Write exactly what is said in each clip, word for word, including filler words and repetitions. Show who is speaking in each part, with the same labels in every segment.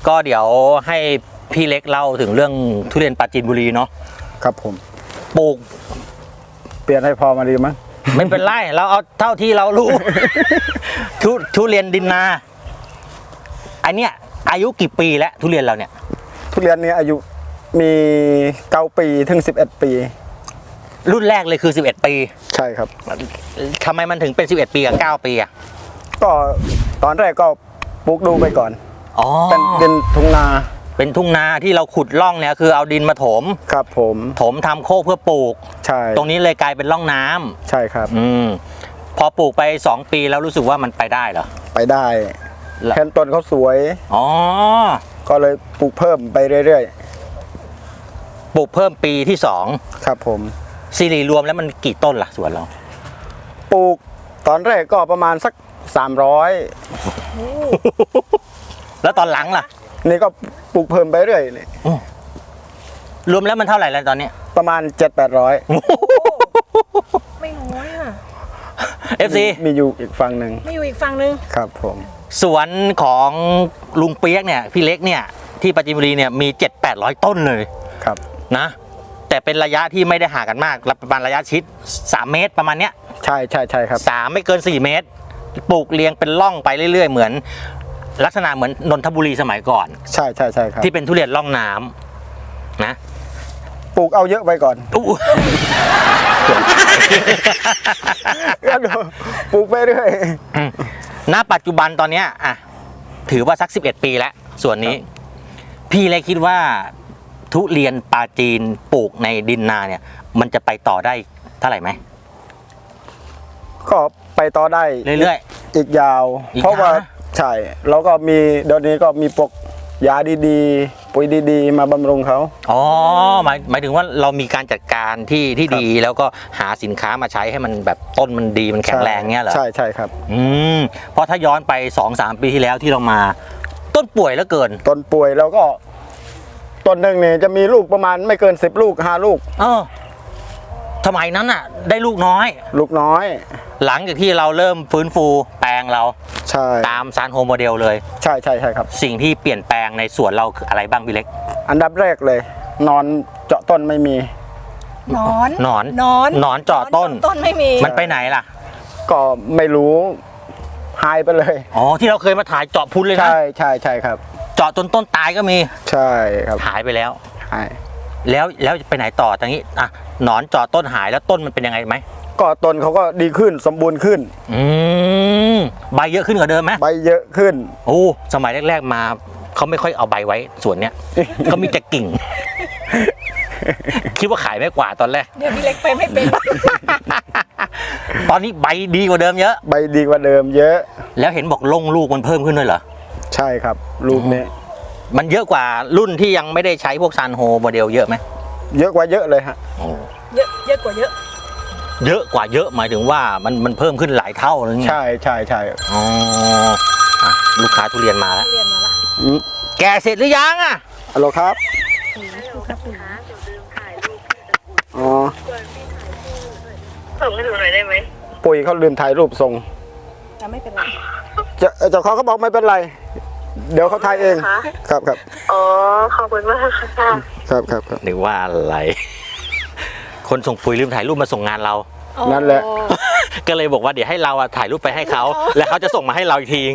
Speaker 1: ก็เดี๋ยวให้พี่เล็กเล่าถึงเรื่องทุเรียนปราจีนบุรีเนาะ
Speaker 2: ครับผม
Speaker 1: ปลูก
Speaker 2: เปลี่ยนให้พอมาดีมั้ง
Speaker 1: ไม่เป็นไรเราเอาเท่าที่เรารู้ ทุทุเรียนดินนาอันเนี้ยอายุกี่ปีแล้วทุเรียนเราเนี่ย
Speaker 2: ทุเรียนนี้อายุมีเก้าปีถึงสิบเอ็ดปี
Speaker 1: รุ่นแรกเลยคือสิบเอ็ดปี
Speaker 2: ใช่ครับ
Speaker 1: ทำไมมันถึงเป็นสิบเอ็ดปีกับเก้าปีอ่ะ
Speaker 2: ก็ตอนแรกก็ปลูกดูไปก่อน
Speaker 1: อ๋อ
Speaker 2: เป็นดินทุ่งนา
Speaker 1: เป็นทุ่งนาที่เราขุดร่องเนี่ยคือเอาดินมาถม
Speaker 2: ครับผม
Speaker 1: ถมทำโคกเพื่อปลูก
Speaker 2: ใช่
Speaker 1: ตรงนี้เลยกลายเป็นร่องน้ำ
Speaker 2: ใช่ครับ
Speaker 1: อืมพอปลูกไปสองปีแล้วรู้สึกว่ามันไปได้เหรอ
Speaker 2: ไปได้แทนต้นเขาสวย
Speaker 1: อ๋อ
Speaker 2: ก็เลยปลูกเพิ่มไปเรื่อย
Speaker 1: ๆปลูกเพิ่มปีที่สอง
Speaker 2: ครับผม
Speaker 1: ซีรีรวมแล้วมันกี่ต้นล่ะสวนเรา
Speaker 2: ปลูกตอนแรกก็ประมาณสักสามร้อย
Speaker 1: แล้วตอนหลังล่ะ
Speaker 2: นี่ก็ปลูกเพิ่มไปเรื่อยเลย
Speaker 1: รวมแล้วมันเท่าไหร่แล้วตอนนี้
Speaker 2: ประมาณเจ็ดแปดร้อย
Speaker 3: ไม่น้อยอ่ะ
Speaker 1: เอฟซี
Speaker 2: มีอยู่อีกฝั่งหนึ่ง
Speaker 3: มีอยู่อีกฝั่งหนึ่ง
Speaker 2: ครับผม
Speaker 1: สวนของลุงเปียกเนี่ยพี่เล็กเนี่ยที่ปราจีนบุรีเนี่ยมีเจ็ดแปดร้อยต้นเลย
Speaker 2: ครับ
Speaker 1: นะแต่เป็นระยะที่ไม่ได้ห่างกันมากประมาณระยะชิดสามเมตรประมาณเนี้ย
Speaker 2: ใช่ใช่ใช่ครับ
Speaker 1: สามไม่เกินสี่เมตรปลูกเรียงเป็นร่องไปเรื่อยๆเหมือนลักษณะเหมือนนนทบุรีสมัยก่อน
Speaker 2: ใช่ใช่ใช่ครับ
Speaker 1: ที่เป็นทุเรียนร่องน้ำนะ
Speaker 2: ปลูกเอาเยอะไปก่อนปลูกไปเรื่อย
Speaker 1: ณปัจจุบันตอนนี้อ่ะถือว่าสักสิบเอ็ดปีแล้วส่วนนี้พี่เลยคิดว่าทุเรียนปราจีนปลูกในดินนาเนี่ยมันจะไปต่อได้เท่าไหร่ไหม
Speaker 2: ก็ไปต่อได้
Speaker 1: เรื่อย
Speaker 2: ๆอีกยาวเพราะว่าใช่แล้วก็มีเดี๋ยวนี้ก็มีปกยาดีๆปุ๋ยดีๆมาบำรุงเขา
Speaker 1: อ๋อหมายหมายถึงว่าเรามีการจัดการที่ที่ดีแล้วก็หาสินค้ามาใช้ให้มันแบบต้นมันดีมันแข็งแรงเงี้ยเหรอ
Speaker 2: ใช่ใช่ครับ
Speaker 1: อืมเพราะถ้าย้อนไป สองสาม ปีที่แล้วที่เรามาต้นป่วยแล้วเกิน
Speaker 2: ต้นป่วยแล้วก็ต้นหนึ่งเนี่ยจะมีลูกประมาณไม่เกินสิบลูกห้าลูก
Speaker 1: เออสมัยนั้นอ่ะได้ลูกน้อย
Speaker 2: ลูกน้อย
Speaker 1: หลังจากที่เราเริ่มฟื้นฟูแปลงเรา
Speaker 2: ใช่
Speaker 1: ตามซานโฮโมเดลเลย
Speaker 2: ใช่ใช่ใช่ครับ
Speaker 1: สิ่งที่เปลี่ยนแปลงในสวนเราคืออะไรบ้างพี่เล็ก
Speaker 2: อันดับแรกเลยนอนเจาะต้นไม่มี
Speaker 3: นอน
Speaker 1: นอน
Speaker 3: นอน
Speaker 1: นอนเจาะต้น
Speaker 3: ต้นไม่มี
Speaker 1: มันไปไหนล่ะ
Speaker 2: ก็ไม่รู้หายไปเลย
Speaker 1: อ๋อที่เราเคยมาถ่ายเจาะพุ้นเลยนะ
Speaker 2: ใช่ใช่ใช่ครับ
Speaker 1: เจาะจนต้นตายก็มี
Speaker 2: ใช่ครับ
Speaker 1: หายไปแล้ว
Speaker 2: หาย
Speaker 1: แล้วแล้วไปไหนต่อตรงนี้อ่ะหนอนเจาะต้นหายแล้วต้นมันเป็นยังไงไหม
Speaker 2: ก็ต้นเขาก็ดีขึ้นสมบูรณ์ขึ้น
Speaker 1: อืมใบเยอะขึ้นกว่าเดิมไหม
Speaker 2: ใบเยอะขึ้น
Speaker 1: โอ้สมัยแรกๆมาเขาไม่ค่อยเอาใบไว้ส่วนเนี้ยเขามีแต่กิ่งคิดว่าขายไม่กว่าตอนแรก
Speaker 3: เดี๋ยวพี่เล็กไปไม่เป็น
Speaker 1: ตอนนี้ใบดีกว่าเดิมเยอะ
Speaker 2: ใบดีกว่าเดิมเยอะ
Speaker 1: แล้วเห็นบอกลงลูกมันเพิ่มขึ้นด้วยเหรอ
Speaker 2: ใช่ครับลูกนี้
Speaker 1: มันเยอะกว่ารุ่นที่ยังไม่ได้ใช้พวกซานโฮโมเดลเยอะไหม
Speaker 2: เยอะกว่าเยอะเลยฮะ
Speaker 3: เยอะเยอะกว่าเยอะ
Speaker 1: เยอะกว่าเยอะหมายถึงว่ามันมันเพิ่มขึ้นหลายเท่าเลยไง
Speaker 2: ใช่ใช่ใช่
Speaker 1: อ๋อลูกค้าทุเรียนมาแล้ว
Speaker 3: ทุเรียนมาละ
Speaker 1: แกเสร็จหรือยังอ่ะ
Speaker 2: ฮัลโหลครับอ๋อ
Speaker 4: ส่งให้ดูหน่อยได้ไหม
Speaker 2: ปุ๋ยเขาลืมถ่ายรูปส่ง
Speaker 3: จะไม่เป็นไร
Speaker 2: จะเจ้าของเขาบอกไม่เป็นไรเดี๋ยวเขาถ่ายเองครับครับ
Speaker 4: อ๋อขอบคุณมากค่ะ
Speaker 2: ครับครับครับ
Speaker 1: นึกว่าอะไรคนส่งปุ๋ยลืมถ่ายรูปมาส่งงานเรา
Speaker 2: นั่นแหละ
Speaker 1: ก็เลยบอกว่าเดี๋ยวให้เราถ่ายรูปไปให้เขาแล้วเขาจะส่งมาให้เราอีกที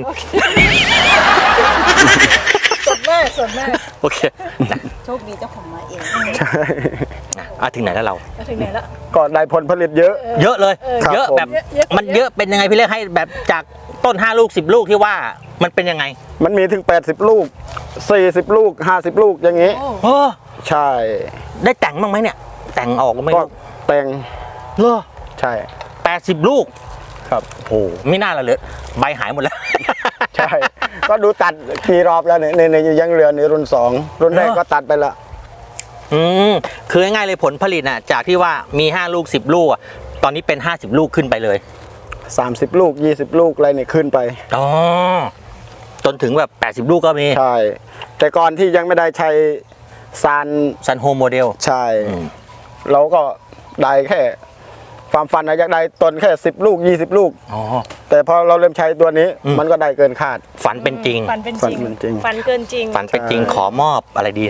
Speaker 3: สดแม่สดแม่
Speaker 1: โอเค
Speaker 3: โชคดีเจ้าของมาเอง
Speaker 2: ใช่
Speaker 1: อ่ะถึงไหนแล้วเรา
Speaker 3: ถึงไหนแล้ว
Speaker 2: ก็ได้ผลผลิตเยอะ
Speaker 1: เยอะเลยเยอะแบบมันเยอะเป็นยังไงพี่เล็กให้แบบจากต้นห้าลูกสิบลูกที่ว่ามันเป็นยังไง
Speaker 2: มันมีถึงแปดสิบลูกสี่สิบลูกห้าสิบลูกอย่างงี้
Speaker 1: โอ้
Speaker 2: ใช่
Speaker 1: ได้แต่งบ้างไหมเนี่ยแต่งออกไม่
Speaker 2: ก็แต่ง
Speaker 1: เหรอ
Speaker 2: ใช่
Speaker 1: แปดสิบลูก
Speaker 2: ครับ
Speaker 1: โอ้ไม่น่าละเลยใบหายหมดแล้ว
Speaker 2: ใช่ก็ดูตัดกี่รอบแล้วเนี่ยในยังเหลือในรุ่นสองรุ่นแรกก็ตัดไปละ
Speaker 1: อืมคือง่ายๆเลยผลผลิตน่ะจากที่ว่ามีห้าลูกสิบลูกตอนนี้เป็นห้าสิบลูกขึ้นไปเลย
Speaker 2: สามสิบลูกยี่สิบลูกอะไรเนี่ยขึ้นไป
Speaker 1: อ๋อจนถึงแบบแปดสิบลูกก็มี
Speaker 2: ใช่แต่ก่อนที่ยังไม่ได้ใช้ซาน
Speaker 1: ซันโฮโมเดล
Speaker 2: ใช่เราก็ได้แค่ความฝันอะอยากได้ต้นแค่สิบลูกยี่สิบลูก
Speaker 1: อ๋อ
Speaker 2: แต่พอเราเริ่มใช้ตัวนี้
Speaker 1: อืม
Speaker 2: มันก็ได้เกินคาด
Speaker 1: ฝันเป็นจริง
Speaker 3: ฝันเป็นจริง
Speaker 2: ฝันเป็นจริง
Speaker 3: ฝันเกินจริง
Speaker 1: ฝันเป็นจริง
Speaker 2: ใช่
Speaker 1: ขอมอบอะไรดี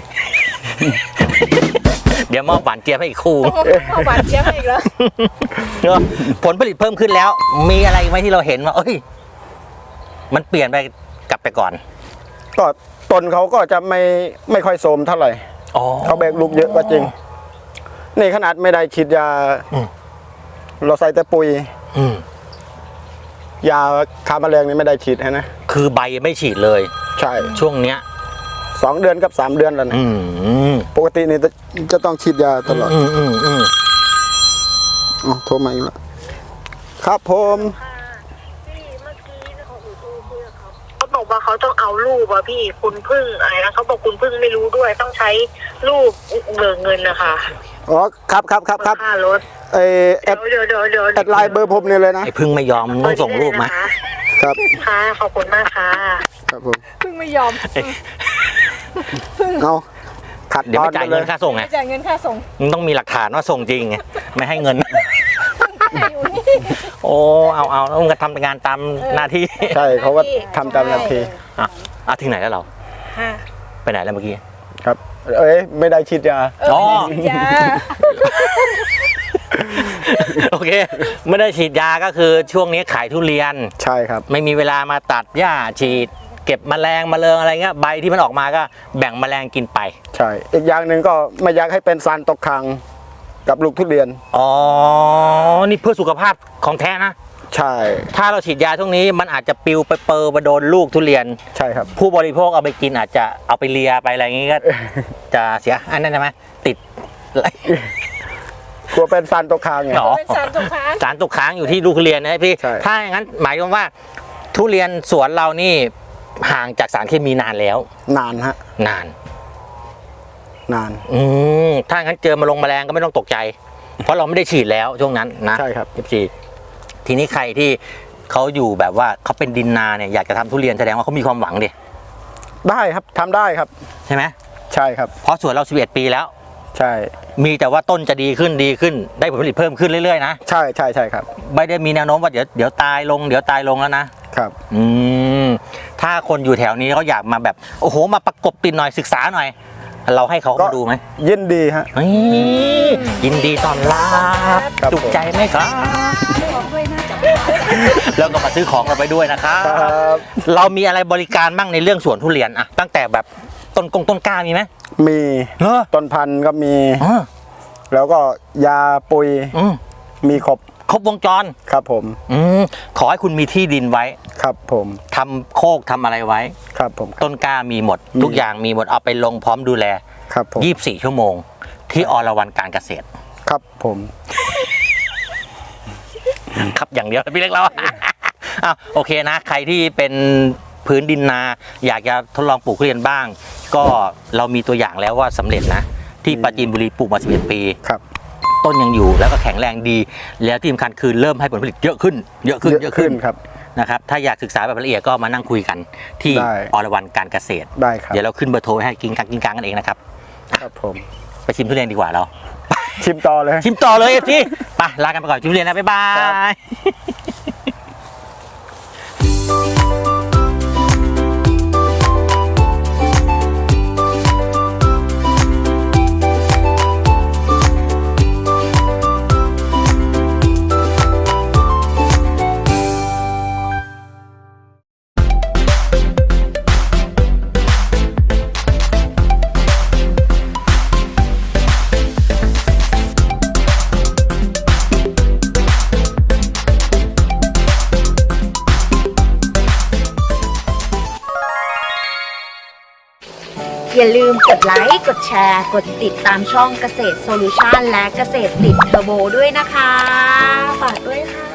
Speaker 1: เดี๋ยวมอบหวานเจี๊ยบให้อีกคู่
Speaker 3: ต้องเอาหวานเจี๊ยบให้อีกแล้ว
Speaker 1: เนอะผลผลิตเพิ่มขึ้นแล้ว มีอะไรไหมที่เราเห็นว่า เอ้ย มันเปลี่ยนไปกลับไปก่อน
Speaker 2: ก็ต้นเขาก็จะไม่ไม่ค่อยโทรมเท่าไหร่
Speaker 1: อ๋อ
Speaker 2: เขาแบกลูกเยอะก็จริง นี่ขนาดไม่ได้ฉีดยา
Speaker 1: อืม
Speaker 2: เราใส่แต่ปุ๋ย
Speaker 1: อืม
Speaker 2: ยาฆ่าแมลงนี่ไม่ได้ฉีดให้นะ
Speaker 1: คือใบไม่ฉีดเลย
Speaker 2: ใช่
Speaker 1: ช่วงเนี้ย
Speaker 2: สองเดือนกับสามเดือนแล้วนะ
Speaker 1: อืม
Speaker 2: ปกตินี่จะจะต้องฉีดยาตลอด
Speaker 1: อืมอืมอืม
Speaker 2: อ๋อโทรมาอีกแล้วครับผม
Speaker 4: พี่เมื่อกี้เขาอยู่โทรคุยกับเขาเขาบอกว่าเขาต้องเอารูปอะพี่คุณพึ่งอะไรนะเขาบอกคุณพึ่งไม่รู้ด้วยต้องใช้รูปเบิกเงินนะคะ
Speaker 2: อ๋อครับครับครับครับ
Speaker 4: ค่ารถ
Speaker 2: ไอแอ
Speaker 4: เดี๋ย
Speaker 2: ด
Speaker 4: วเดี๋ยวเดี๋ยวเดี๋ยว
Speaker 2: แอดไลน์เบอร์ผมนี่เลยนะ
Speaker 1: ไอ้พึ่งไม่ยอมต้องส่งรูปมา
Speaker 2: ครับ
Speaker 4: ค่ะขอบคุณมากค่ะ
Speaker 2: ครับผม
Speaker 3: เพิ่งไม่ยอม
Speaker 2: เอาขัด
Speaker 1: เดี๋ยว
Speaker 2: ตอ
Speaker 1: ไม่
Speaker 2: น
Speaker 1: จ่าย
Speaker 2: ไปเล
Speaker 1: เงิ
Speaker 2: ย
Speaker 1: นค่าส่งไง
Speaker 3: จ่ายเงินค่าส่ง
Speaker 1: มันต้องมีหลักฐานว่าส่งจริงไง ไม่ให้เงิน
Speaker 3: อยู่นี่
Speaker 1: โอ้ เอาเอาต้องกระทำงานตามหน้าที่
Speaker 2: ใช่เขาก็ทำตามหน้าที่
Speaker 1: อ่ะอ่ะถึงไหนแล้วเรา
Speaker 3: ค่ะ
Speaker 1: ไปไหนแล้วเมื่อกี้
Speaker 2: ครับ เอ้ยไม่ได้ฉีดยา
Speaker 3: เออ
Speaker 1: อ๋อ
Speaker 3: ฉีดยา
Speaker 1: โอเค ไม่ได้ฉีดยาก็คือช่วงนี้ขายทุเรียน
Speaker 2: ใช่ครับ
Speaker 1: ไม่มีเวลามาตัดหญ้าฉีด เก็บแมลงแมลงอะไรเงี้ยใบที่มันออกมาก็แบ่งแมลงกินไป
Speaker 2: ใช่ อีกอย่างหนึ่งก็ไม่อยากให้เป็นสารตกค้างกับลูกทุเรียน
Speaker 1: อ๋อ นี่เพื่อสุขภาพของแท้นะ
Speaker 2: ใช่
Speaker 1: ถ้าเราฉีดยาช่วงนี้มันอาจจะปลิวไปเปอร์ไปโดนลูกทุเรียน
Speaker 2: ใช่ครับ
Speaker 1: ผู้บริโภคเอาไปกินอาจจะเอาไปเลียไปอะไรอย่างงี้ก็ จะเสียอันนั้นใช่ไหมติด
Speaker 2: กลัวเป็นสารตกค้างไง
Speaker 1: หรอ
Speaker 3: เป็นสารตกค้าง
Speaker 1: สารตกค้างอยู่ที่ลูกทุเรียนนะพี่
Speaker 2: ใช่
Speaker 1: ถ้าอย่างนั้นหมายความว่าทุเรียนสวนเรานี่ห่างจากสารเคมีนานแล้ว
Speaker 2: นานฮะ
Speaker 1: นาน
Speaker 2: นาน
Speaker 1: อืมถ้างั้นเจอมาลงแมลงก็ไม่ต้องตกใจ เพราะเราไม่ได้ฉีดแล้วช่วงนั้นนะ
Speaker 2: ใช่ครับ
Speaker 1: เอฟซีทีนี้ใครที่เขาอยู่แบบว่าเขาเป็นดินนาเนี่ยอยากจะทำทุเรียนแสดงว่าเขามีความหวังดิ
Speaker 2: ได้ครับทำได้ครับ
Speaker 1: ใช่ไหม
Speaker 2: ใช่ครับ
Speaker 1: เพราะสวนเราสิบเอ็ดปีแล้ว
Speaker 2: ใช่
Speaker 1: มีแต่ว่าต้นจะดีขึ้นดีขึ้น ได้ผลผลิตเพิ่มขึ้นเรื่อยๆนะ
Speaker 2: ใช่ใช่ใช่ครับ
Speaker 1: ไม่ได้มีแนวโน้มว่าเดี๋ยวเดี๋ยวตายลงเดี๋ยวตายลงแล้วนะครับ อืมถ้าคนอยู่แถวนี้เขาอยากมาแบบโอ้โหมาประกบติดหน่อยศึกษาหน่อย เราให้เขา
Speaker 2: ก็
Speaker 1: มาดูไหม
Speaker 2: ยินดีฮะ
Speaker 1: เฮ้ยยินดีต้อนรับ
Speaker 2: ครับ
Speaker 1: จุกใจไหมครับ
Speaker 3: บอกด้วยนะจ๊ะ
Speaker 1: แล้วก็มาซื้อของเราไปด้วยนะครับ
Speaker 2: ครับ
Speaker 1: เรามีอะไรบริการบ้างในเรื่องสวนทุเรียนอะตั้งแต่แบบต้นกงต้นกล้ามีไหม
Speaker 2: มี
Speaker 1: เหรอ
Speaker 2: ต้นพันธุ์ก็มี
Speaker 1: อ๋อ
Speaker 2: แล้วก็ยาปุ๋ย
Speaker 1: อืม
Speaker 2: มีครบ
Speaker 1: ครบวงจร
Speaker 2: ครับผม
Speaker 1: อืมขอให้คุณมีที่ดินไว้
Speaker 2: ครับผม
Speaker 1: ทำโคกทำอะไรไว้
Speaker 2: ครับผม
Speaker 1: ต้นกล้ามีหมด
Speaker 2: มี
Speaker 1: ทุกอย่างมีหมดเอาไปลงพร้อมดูแล
Speaker 2: ครับผม
Speaker 1: ยี่สิบสี่ชั่วโมง ที่อรวรรณการเกษตร
Speaker 2: ครับผม
Speaker 1: ครับอย่างเดียวพี่เล็กเรา อ้าวโอเคนะ ใครที่เป็นพื้นดินนา อยากจะทดลองปลูกทุเรียนบ้าง ก็เรามีตัวอย่างแล้วว่าสำเร็จนะ ที่ปราจีนบุรีปลูกมาสิบเอ็ดปี
Speaker 2: ครับ
Speaker 1: ต้นยังอยู่แล้วก็แข็งแรงดี แล้วที่สำคัญคือเริ่มให้ผลผลิตเยอะขึ้น เยอะขึ้น
Speaker 2: เยอะขึ้นครับ
Speaker 1: นะครับถ้าอยากศึกษาแบบละเอียดก็มานั่งคุยกันที่
Speaker 2: ได้
Speaker 1: อรวรรณการเกษตร
Speaker 2: ได้ครับ
Speaker 1: เดี๋ยวเราขึ้นเบอร์โทรไว้ให้กินกังกินกังกันเองนะครับ
Speaker 2: ครับผม
Speaker 1: ไปชิมทุเรียนดีกว่าเรา
Speaker 2: ชิมต่อเลย
Speaker 1: ชิมต่อเลยเอฟซีไปลากันไปก่อนชิมทุเรียนนะบ๊ายบา
Speaker 2: ครั
Speaker 1: ย
Speaker 5: อย่าลืมกดไลค์ กดแชร์ กดติดตามช่องเกษตรโซลูชันและเกษตรติดเทอร์โบด้วยนะคะ ฝากด้วยค่ะ